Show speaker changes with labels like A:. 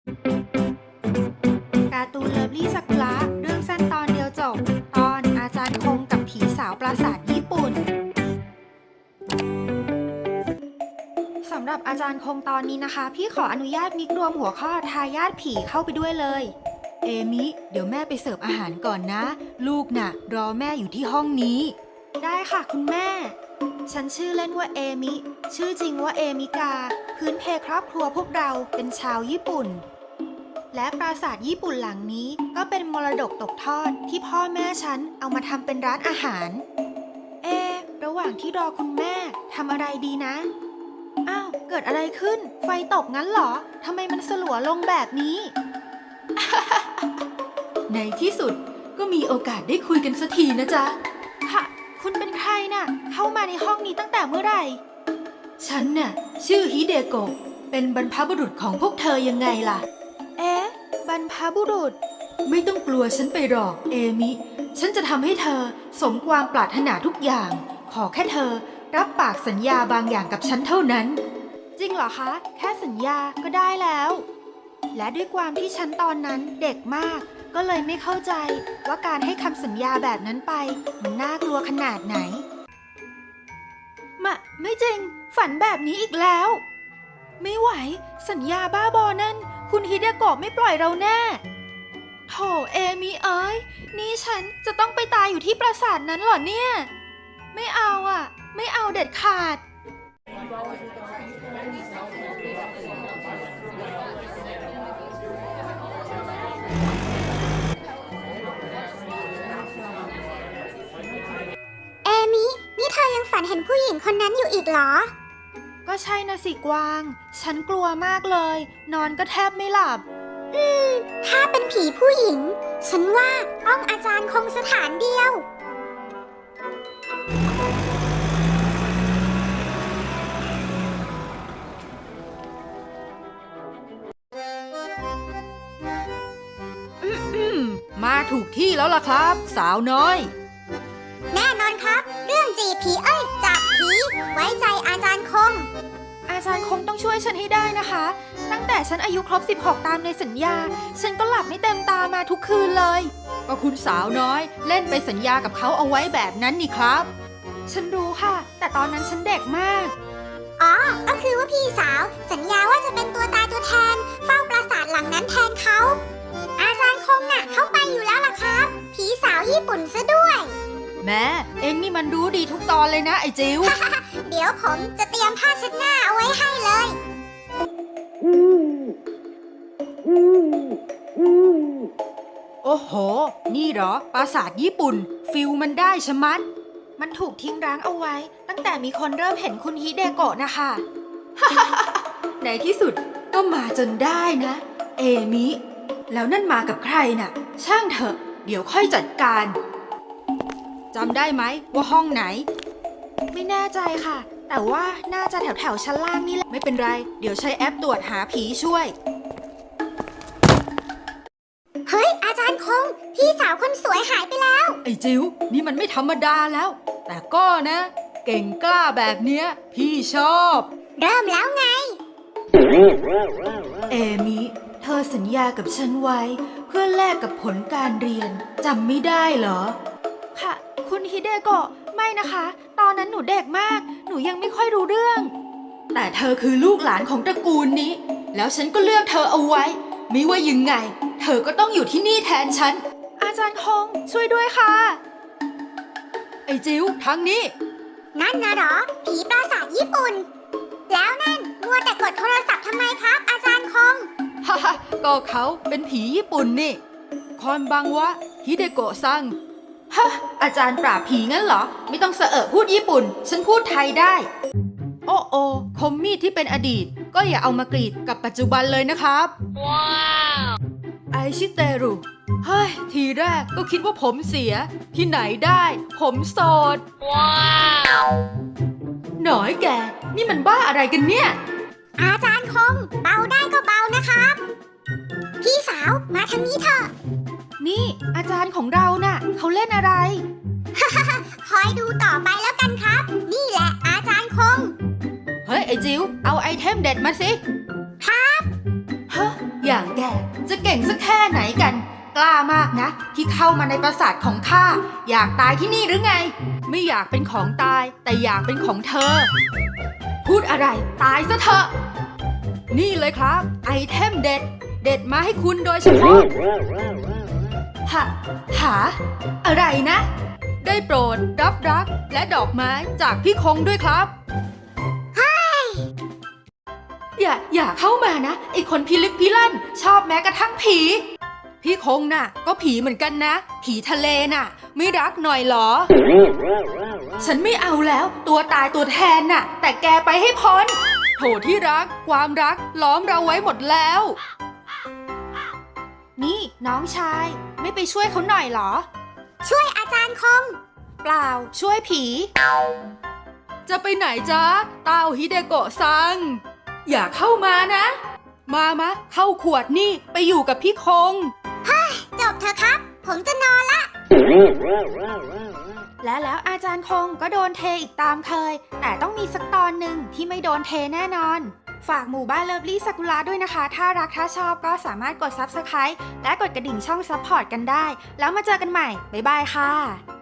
A: การ์ตูนเลิฟลี่ซากุระเรื่องสั้นตอนเดียวจบตอนอาจารย์คงกับผีสาวปราสาทญี่ปุ่นสำหรับอาจารย์คงตอนนี้นะคะ พี่ขออนุญาตมิกรวมหัวข้อทายาทผีเข้าไปด้วยเลยเอมิเดี๋ยวแม่ไปเสิร์ฟอาหารก่อนนะ ลูกน่ะรอแม่อยู่ที่ห้องนี้ได้ค่ะคุณแม่ฉันชื่อเล่นว่าเอมิชื่อจริงว่าเอมิกาพื้นเพครอบครัวพวกเราเป็นชาวญี่ปุ่นและปราสาทญี่ปุ่นหลังนี้ก็เป็นมรดกตกทอดที่พ่อแม่ฉันเอามาทำเป็นร้านอาหารระหว่างที่รอคุณแม่ทำอะไรดีนะอ้าวเกิดอะไรขึ้นไฟตกงั้นเหรอทำไมมันสลัวลงแบบนี้ ในที่สุดก็มีโอกาสได้คุยกันสักทีนะจ๊ะค่ะคุณเป็นใครน่ะเข้ามาในห้องนี้ตั้งแต่เมื่อไหร่ฉันน่ะชื่อฮิเดโกะเป็นบรรพบุรุษของพวกเธอยังไงล่ะบรรพบุรุษไม่ต้องกลัวฉันไปหรอกเอมิฉันจะทำให้เธอสมความปรารถนาทุกอย่างขอแค่เธอรับปากสัญญาบางอย่างกับฉันเท่านั้นจริงเหรอคะแค่สัญญาก็ได้แล้วและด้วยความที่ฉันตอนนั้นเด็กมากก็เลยไม่เข้าใจว่าการให้คำสัญญาแบบนั้นไปมันน่ากลัวขนาดไหนไม่จริงฝันแบบนี้อีกแล้วไม่ไหวสัญญาบ้าบอนั่นคุณฮิเดโกะไม่ปล่อยเราแน่โถเอมิเอ้ยนี่ฉันจะต้องไปตายอยู่ที่ปราสาทนั้นเหรอเนี่ยไม่เอาอ่ะไม่เอาเด็ดขาด
B: เอมินี่เธอยังฝันเห็นผู้หญิงคนนั้นอยู่อีกเหรอ
A: ก็ใช่นะสิกวางฉันกลัวมากเลยนอนก็แทบไม่หลับ
B: ถ้าเป็นผีผู้หญิงฉันว่าต้องอาจารย์คงสถานเดียว
A: มาถูกที่แล้วล่ะครับสาวน้อย
B: แน่นอนครับเรื่องจีบผีจับผีไว้ใจอาจารย์คง
A: อาจารย์คงต้องช่วยฉันให้ได้นะคะตั้งแต่ฉันอายุครบ16ตามในสัญญาฉันก็หลับไม่เต็มตามาทุกคืนเลยก็คุณสาวน้อยเล่นไปสัญญากับเขาเอาไว้แบบนั้นนี่ครับฉันรู้ค่ะแต่ตอนนั้นฉันเด็กมาก
B: ก็คือว่าพี่สาวสัญญาว่าจะเป็นตัวตายตัวแทนเฝ้าปราสาทหลังนั้นแทนเขาอาจารย์คงน่ะเข้าไปอยู่แล้วล่ะครับผีสาวญี่ปุ่นซะด้วย
A: แม่เอ็งนี่มันรู้ดีทุกตอนเลยนะไอ้จิ๋ว
B: เดี๋ยวผมจะเตรียมผ้าเช็ดหน้าเอาไว้ให้เลย
A: โอ้โหนี่เหรอปราสาทญี่ปุ่นฟิลมันได้ชะมัดมันถูกทิ้งร้างเอาไว้ตั้งแต่มีคนเริ่มเห็นคุณฮิเดโกะนะคะ ในที่สุดก็มาจนได้นะเอมิแล้วนั่นมากับใครน่ะช่างเถอะเดี๋ยวค่อยจัดการจำได้ไหมว่าห้องไหนไม่แน่ใจค่ะแต่ว่าน่าจะแถวชั้นล่างนี่แหละไม่เป็นไรเดี๋ยวใช้แอปตรวจหาผีช่วย
B: เฮ้ยอาจารย์คงพี่สาวคนสวยหายไปแล้ว
A: ไอ้จิ๋วนี่มันไม่ธรรมดาแล้วแต่ก็นะเก่งกล้าแบบเนี้ยพี่ชอบ
B: เริ่มแล้วไง
A: เอมิเธอสัญญากับฉันไว้เพื่อแลกกับผลการเรียนจำไม่ได้เหรอค่ะคุณฮิเดโกะไม่นะคะตอนนั้นหนูเด็กมากหนูยังไม่ค่อยรู้เรื่องแต่เธอคือลูกหลานของตระกูลนี้แล้วฉันก็เลือกเธอเอาไว้ไม่ว่ายังไงเธอก็ต้องอยู่ที่นี่แทนฉันอาจารย์คงช่วยด้วยค่ะไอ้จิ๋วทางนี้
B: นั่นนะเหรอผีปราสาทญี่ปุ่นแล้วนั่นมัวแต่กดโทรศัพท์ทำไมครับอาจารย์คง
A: ฮ่าก็เขาเป็นผีญี่ปุ่นนี่คอนบังวะฮิเดโกะซังฮะอาจารย์ปราบผีงั้นเหรอไม่ต้องเสอะพูดญี่ปุ่นฉันพูดไทยได้โอ้คมมีดที่เป็นอดีตก็อย่าเอามากรีดกับปัจจุบันเลยนะครับว้าวไอชิเตรุเฮ้ยทีแรกก็คิดว่าผมเสียที่ไหนได้ผมโสดว้าวหน่อยแกนี่มันบ้าอะไรกันเนี่ย
B: อาจารย์คงเบาได้ก็เบานะครับพี่สาวมาทางนี้เถอะ
A: นี่อาจารย์ของเราน่ะเขาเล่นอะไร
B: คอยดูต่อไปแล้วกันครับนี่แหละอาจารย์คง
A: เฮ้ยไอ้จิ๋วเอาไอเทมเด็ดมาสิ
B: ครับ
A: ฮะอย่างแกแกจะเก่งสักแค่ไหนกัน กล้ามากนะ ที่เข้ามาในปราสาทของข้าอยากตายที่นี่หรือไง ไม่อยากเป็นของตายแต่อยากเป็นของเธอ พูดอะไรตายซะเถอะ นี่เลยครับ ไอเทมเด็ด เด็ดมาให้คุณโดยเฉพาะหาอะไรนะ ได้โปรดรับรักและดอกไม้จากพี่คงด้วยครับ อย่าเข้ามานะไอคนพิลึกพิลั่นชอบแม้กระทั่งผี พี่คงน่ะ ก็ผีเหมือนกันนะ ผีทะเลน่ะ ไม่รักหน่อยเหรอ ฉันไม่เอาแล้ว ตัวตายตัวแทนน่ะ แต่แกไปให้พ้นโถที่รักความรักล้อมเราไว้หมดแล้ว นี่น้องชายไม่ไปช่วยเขาหน่อยเหรอ
B: ช่วยอาจารย์คง
A: เปล่าช่วยผี จะไปไหนจ๊ะเต้าฮิเดโกะซัง อย่าเข้ามานะ มาเข้าขวดนี่ไปอยู่กับพี่คง
B: จบเถอะครับ ผมจะนอนละ
A: และแล้วอาจารย์คงก็โดนเทอีกตามเคย แต่ต้องมีสักตอนหนึ่งที่ไม่โดนเทแน่นอน ฝากหมู่บ้านเลิฟลี่ซากุระด้วยนะคะ ถ้ารักถ้าชอบก็สามารถกด Subscribe และกดกระดิ่งช่องซัพพอร์ตกันได้ แล้วมาเจอกันใหม่ บ๊ายบายค่ะ